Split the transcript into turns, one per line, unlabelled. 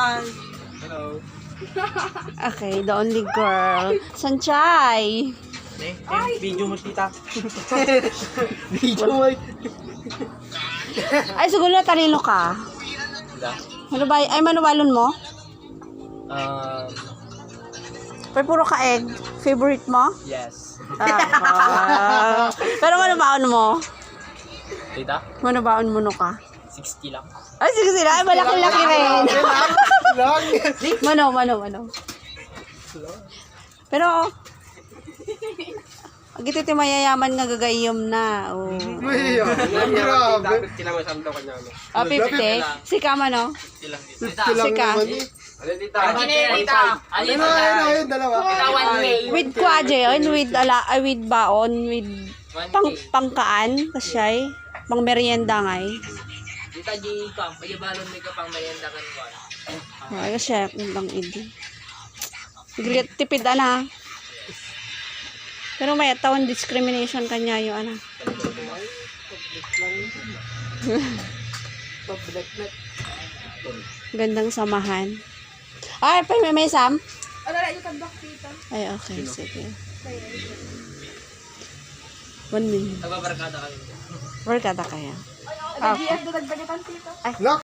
Hi! Hello.
Okay, the only girl. Sanchay!
Video mo, tita.
Ay, siguro talino ka. Ay, manubalon mo? Pero puro ka egg. Favorite mo?
Yes.
Pero manubaon mo?
Tita?
Manubaon mo no ka?
60 lang.
Ay, sige sila. Ay, malaki-laki rin. Mano. Pero, agito ti mayayaman nga gagayom na. Oh.
Grabe. Kailangan sa daw kanya.
50? Sika man, no? Sika.
Ano, tita?
Ayun, dalawa.
With kwadje yun, with baon, with pangkaan, kasyay, pang merienda ngay.
Tita G, payabalon mo ka pang merienda kan ko.
Ay, kasyay, bang idi. Tipid, ana. Pero may tawon discrimination kanya yung ana. Gandang samahan. Ay, may Sam? Ay, okay, sige. 1 minute.
Nagbabarkada kami.
Barkada kaya.
Lock!